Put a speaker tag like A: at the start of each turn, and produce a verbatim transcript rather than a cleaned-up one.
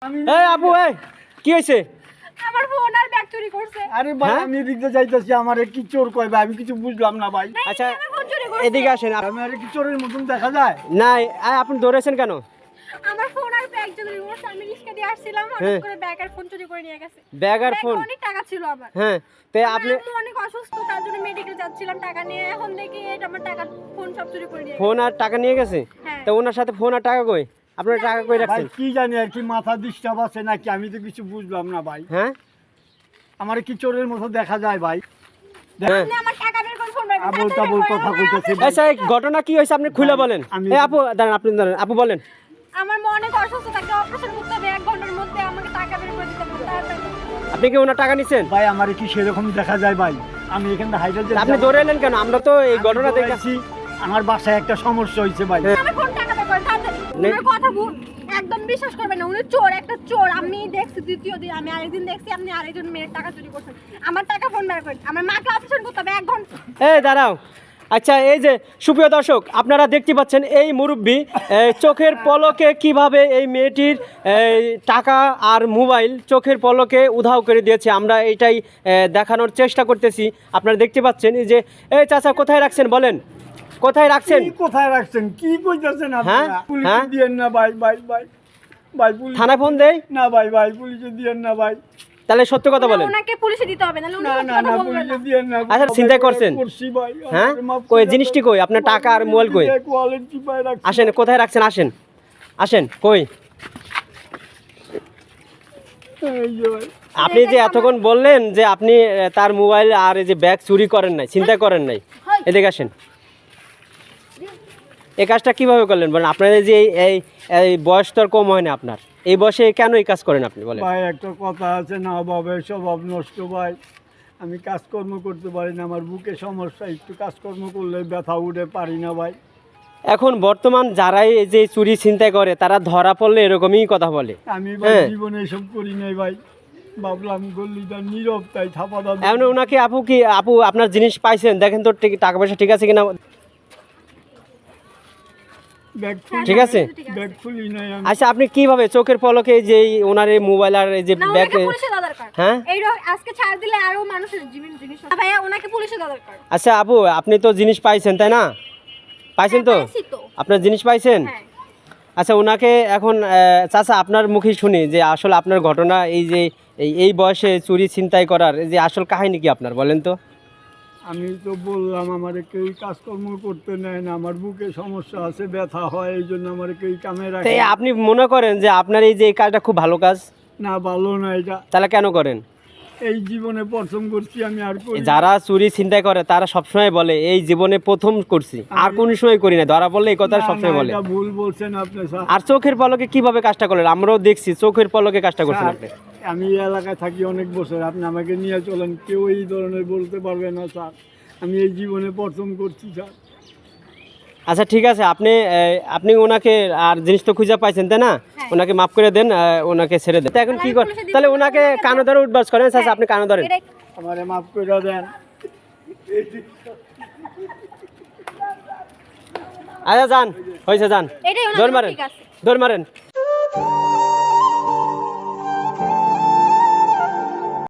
A: এই আপু এই কি হইছে?
B: আমার ফোন আর ব্যাগ চুরি করছে।
C: আরে ভাই আমি এদিকে যাইতাছি, আমারে কি চোর কয় ভাই, আমি কিছু বুঝলাম না ভাই।
A: আচ্ছা এদিকে আসেন।
C: আমি আরে কি চোরের মতন দেখা যায়?
A: না আপনি দৌড়েছেন কেন?
B: আমার ফোন আর ব্যাগ চুরি করছে। আমি রিস্কা দিয়ে আসছিলাম, হঠাৎ করে ব্যাগ আর ফোন চুরি করে নিয়ে গেছে।
A: ব্যাগ আর ফোন?
B: অনেক টাকা ছিল আমার।
A: হ্যাঁ তো আপনি
B: আমি অনেক অসুস্থ, তার জন্য মেডিকেলে যাচ্ছিলাম টাকা নিয়ে। এখন দেখি এটা আমার টাকা ফোন সব চুরি করে নিয়ে গেছে।
A: ফোন আর টাকা নিয়ে গেছে?
B: হ্যাঁ।
A: তো ওনার সাথে ফোন আর টাকা কই? আপনার টাকা কই
C: ভাই
A: রাখছেন?
C: কি জানি আর কি মাথা ডিস্টার্ব আছে নাকি, আমি তো কিছু বুঝলাম না ভাই।
A: হ্যাঁ
C: আমারে কি চোরের মতো দেখা যায় ভাই?
A: হ্যাঁ
B: আপনি আমার টাকা বের করে ফোন বের করুন।
C: আবল তাবল কথা কইতেছে ভাই।
A: আচ্ছা এই ঘটনা কি হইছে আপনি খুলে বলেন।
C: আমি-
A: এই আপু দাঁড়ান, আপনি দাঁড়ান, আপু বলেন।
B: আমার মনে অনেক অসুস্থ থাকে, অপারেশন করতে হবে, এক ঘন্টার মধ্যে আমাকে টাকা বের করে দিতে হবে তাড়াতাড়ি।
A: আপনি কি ওনার টাকা নিছেন?
C: ভাই আমারে কি সেরকম দেখা যায় ভাই? আমি এখানে হাইড্রোজেন
A: আপনি দৌড়ে এলেন কেন? আমরা তো এই ঘটনা দেখে
C: দেখেছি, আমার বাসায় একটা সমস্যা হয়েছে ভাই।
B: আমার ফোন টাকা বের করেন তাড়াতাড়ি।
A: নে-
B: আমার কথা ভুল একদম বিশ্বাস করবেন না, উনি চোর, একটা চোর। আমি দেখছি দ্বিতীয় দিন, আমি আরেকদিন দেখছি আপনি আরেকজন মেয়ের টাকা চুরি করছেন। আমার টাকা ফোন বের করেন, আমার মাকে অপারেশন করতে হবে এক ঘন্টা।
A: এই দাঁড়াও। আচ্ছা এই যে সুপ্রিয় দর্শক আপনারা দেখতে পাচ্ছেন এই মুরব্বী এই চোখের পলকে কিভাবে এই মেয়েটির এই টাকা আর মোবাইল চোখের পলকে উধাও করে দিয়েছে। আমরা এটাই এ, দেখানোর চেষ্টা করতেছি। আপনারা দেখতে পাচ্ছেন এই যে এই চাচা কোথায় রাখছেন বলেন, কোথায় রাখছেন?
C: কি কোথায় রাখছেন, কি কইতাছেন
A: হ্যাঁ?
C: আপনারা? পুলিশে
A: হ্যাঁ?
C: দিয়েন না ভাই, ভাই ভাই ভাই পুলিশ
A: থানায় ফোন দেই?
C: না ভাই, ভাই পুলিশে দিয়েন না ভাই।
A: তাহলে সত্য কথা বলেন।
B: ওনাকে পুলিশে দিতে হবে, নাহলে উনি
C: না
B: সত্যি
C: না
B: কথা
C: না
B: বলবেন
C: পুলিশে
B: না।
C: দিয়েন না।
A: আচ্ছা, চিন্তাই করছেন?
C: করছি ভাই।
A: হ্যাঁ
C: আমারে মাফ
A: কই
C: করে
A: জিনিসটি
C: দেন।
A: কই? আপনার টাকা আর মোবাইল কই?
C: ওয়ালেট চিপায় রাখছি।
A: আসেন, কোথায় রাখছেন? আসেন আসেন, কই?
C: এই যে ভাই।
A: আপনি যে এতক্ষণ বললেন যে আপনি আহ, তার মোবাইল আর এই যে ব্যাগ চুরি করেন নাই, চিন্তা করেন নাই, এদিকে আসেন। এই কাজটা কিভাবে করলেন বলেন? আপনাদের যে এই- এই এই বয়স তো আর কম হয় না আপনার, এই বয়সে কেন এই কাজ করেন আপনি বলেন?
C: ভাই একটা কথা আছে না, অভাবে স্বভাব নষ্ট ভাই। আমি কাজকর্ম করতে পারি না, আমার বুকে সমস্যা, একটু কাজকর্ম করলে ব্যথা উঠে পারি না ভাই।
A: এখন বর্তমান যারাই এই যে চুরি ছিনতাই করে তারা ধরা পড়লে এরকমই কথা বলে।
C: আমি ভাই
A: হ্যাঁ।
C: জীবনে এসব করি নাই ভাই, ভাবলাম গল্লিটা নীরব তাই থাপা দাদা।
A: এমন ওনাকে আপু কি আপু আপনার জিনিস পাইছেন? দেখেন তো ঠিক- টাকা পয়সা ঠিক আছে কিনা।
C: ব্যাগ খুলি
A: ঠিক আছে।
C: ব্যাগ খুলি নাই আমি।
A: আচ্ছা আপনি কিভাবে চোখের পলকে এই যে এই ওনার এই মোবাইল আর এই যে
B: না,
A: ব্যাগ?
B: ওনাকে পুলিশে দেওয়া দরকার।
A: হ্যাঁ
B: এই র- আজকে ছাড় দিলে আরো মানুষের জীবন জিনিস হবে। ভাইয়া ওনাকে পুলিশে দেওয়া দরকার।
A: আচ্ছা আপু আপনি তো জিনিস পাইছেন তাই না? পাইছেন তো?
B: হ্যাঁ, পাইছি তো।
A: আপনার জিনিস পাইছেন?
B: হ্যাঁ।
A: আচ্ছা ওনাকে এখন আহ, চাচা আপনার মুখে শুনি যে আসলে আপনার ঘটনা এই যে এই এই বয়সে চুরি ছিনতাই করার এই যে আসল কাহিনী কি আপনার বলেন তো?
C: আমি তো বললাম আমার কেউ কাজকর্ম করতে নেয় না, আমার বুকে সমস্যা আছে, ব্যথা হয়, এই জন্য আমার কেউ কামে
A: তো
C: রাখে
A: এই আপনি মনে করেন যে আপনার এই যে এই কাজটা খুব ভালো কাজ,
C: না। ভালো না এটা,
A: তাহলে কেন করেন?
C: এই জীবনে প্রথম করছি আমি, আর করি না।
A: যারা চুরি ছিনতাই করে তারা সবসময় বলে এই জীবনে প্রথম করছি, আর কোন সময় করি না, ধরা পড়লে এই কথা
C: না,
A: সবসময়
C: না,
A: বলে।
C: এটা ভুল বলছেন আপনি স্যার।
A: আর চোখের পলকে কিভাবে কাজটা করলেন? আমরাও দেখছি চোখের পলকে কাজটা করছেন
C: স্যার,
A: আপনি।
C: আমি এই এলাকায় থাকি অনেক বছর, আপনি আমাকে নিয়ে চলেন, কেউ এই ধরনের বলতে পারবে না স্যার। আমি এই জীবনে প্রথম করছি স্যার।
A: আচ্ছা ঠিক আছে, আপনি আহ, আপনি ওনাকে আর জিনিস তো খুঁজে পাইছেন তাই না?
B: হ্যাঁ।
A: ওনাকে মাফ করে দেন, আহ, ওনাকে ছেড়ে দেন। তো এখন কি করেন তাহলে? ওনাকে কানো ধরে উঠবাস করেন। আচ্ছা আপনি কানো ধরেন।
B: এটাই-
C: আমারে মাফ করে দেন।
A: আচ্ছা যান, হয়েছে যান,
B: এটাই ওনার
A: দৌড়
B: জন্য
A: মারেন,
B: ঠিক আছে।
A: দৌড় মারেন।